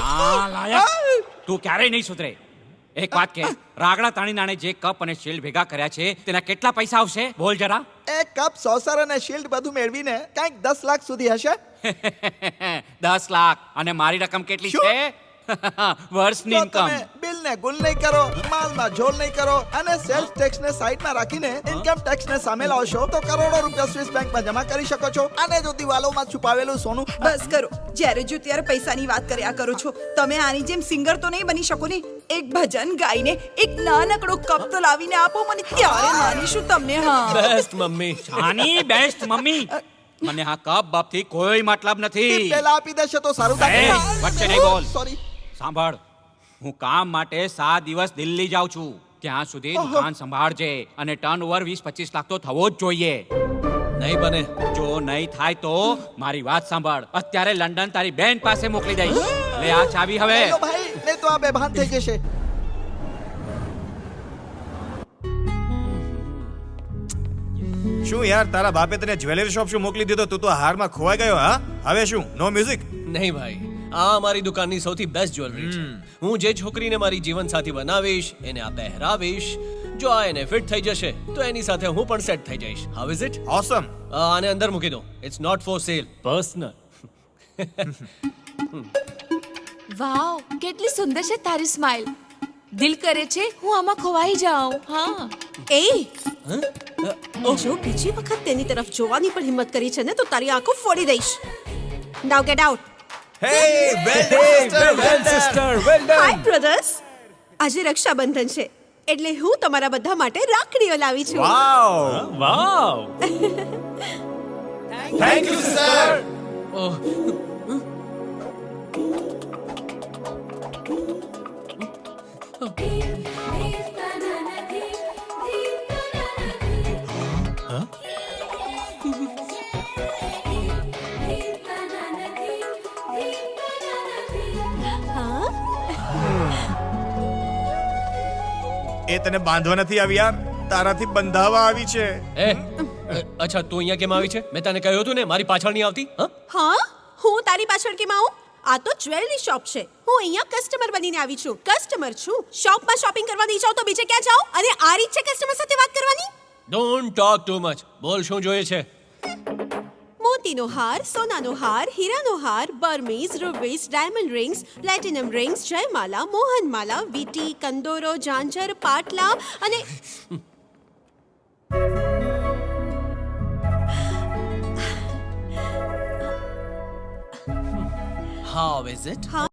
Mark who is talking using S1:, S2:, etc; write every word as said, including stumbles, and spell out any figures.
S1: નાલાયક તું ક્યારેય નહીં સુધરે. એક વાત કે રાગડા તાણી નાણે જે કપ અને શિલ્ડ ભેગા કર્યા છે તેના કેટલા પૈસા આવશે બોલ જરા.
S2: એ કપ સોસર અને શિલ્ડ બધું મેળવીને કંઈક દસ લાખ સુધી હશે.
S1: દસ લાખ અને મારી રકમ કેટલી
S2: શું?
S1: છે? વર્ષની
S2: જો
S1: ઇન્કમ.
S2: તમે બિલને ગુલ નહીં કરો, માલમાં ઝોલ નહીં કરો અને સેલ્સ ટેક્સને સાઈડમાં રાખીને ઇન્કમ ટેક્સને સામે લાવશો તો કરોડો રૂપિયા સ્વિસ બેંકમાં જમા કરી શકો છો. અને જો દિવાલોમાં છુપાવેલું સોનું
S3: બસ કરો. જ્યારે જો ત્યારે પૈસાની વાત કર્યા કરો છો. તમે આની જેમ સિંગર તો નહીં બની શકો ને. એક ભજન ગાઈને એક નાનકડો કપ તો લાવીને આપો મને, ત્યારે માનીશું તમને. હા,
S4: બેસ્ટ મમ્મી.
S1: આની બેસ્ટ મમ્મી. મને આ કપ બાપથી કોઈ મતલબ નથી.
S2: પેલા આપી દેશે તો સારું
S1: એ, વચ્ચે નહીં બોલ.
S2: સોરી.
S1: સાંભળ, હું કામ માટે સાત દિવસ દિલ્હી જાઉં છું. ત્યાં સુધી દુકાન સંભાળજે અને ટર્ન ઓવર વીસ પચીસ લાખ તો થવો જ જોઈએ.
S4: નહીં બને.
S1: જો નહીં થાય તો મારી વાત સાંભળ, અત્યારે લંડન તારી બેન પાસે મોકલી દઈશ. લે આ ચાવી હવે.
S2: લો ભાઈ, લે તો આ બેભાન થઈ જશે.
S5: શું યાર તારા બાપે તને જ્વેલરી શોપ શું મોકલી દીધો? તું તો હારમાં ખોવાઈ ગયો. હા, હવે શું? No music?
S4: નહીં ભાઈ, આ મારી દુકાનની સૌથી બેસ્ટ જ્વેલરી છે. હું જે છોકરીને મારી જીવનસાથી બનાવીશ એને આ પહેરાવીશ. જો આ એને ફિટ થઈ જશે તો એની સાથે હું પણ સેટ થઈ જઈશ. How is it?
S5: ઓસમ.
S4: આને અંદર મૂકી દો. It's not for sale, personal.
S6: Wow, કેટલી સુંદર છે તારી સ્માઇલ. દિલ કરે છે હું આમાં ખોવાઈ જાઉં. હા,
S3: એ જો બીજી વખત તેની તરફ જોવાની પણ હિંમત કરી છે ને તો તારી આંખો ફોડી દઈશ. Now get out.
S5: Hey well done sister, well
S3: hi brothers. આજે રક્ષાબંધન છે એટલે હું તમારા બધા માટે રાખડીઓ લાવી છું.
S5: Wow,
S4: wow.
S5: Thank you sir.
S4: Oh,
S5: એ તને બાંધવા નથી આવી યાર, તારાથી બંધાવા આવી છે.
S4: એ અચ્છા, તું અહીંયા કેમ આવી છે? મેં તને કહ્યું હતું ને મારી પાછળ નહીં આવતી. હા,
S3: હા, હું તારી પાછળ કેમ આવું? આ તો જ્વેલરી શોપ છે. હું અહીંયા કસ્ટમર બનીને આવી છું. કસ્ટમર છું. શોપમાં શોપિંગ કરવા નહીં જાઉં તો બીજે ક્યાં જાઉં? અને આ રીત છે કસ્ટમર સાથે વાત કરવાની?
S4: Don't talk too much. બોલ, શું જોઈએ છે?
S3: મોતીનો હાર, સોનાનો હાર, હીરાનો હાર, Burmese, rubies, diamond rings, platinum rings, જયમાલા, મોહનમાલા, વીટી, કંદોરો, ઝાંઝર, પાટલા અને
S4: હાઉ ઇઝ ઇટ?
S3: હા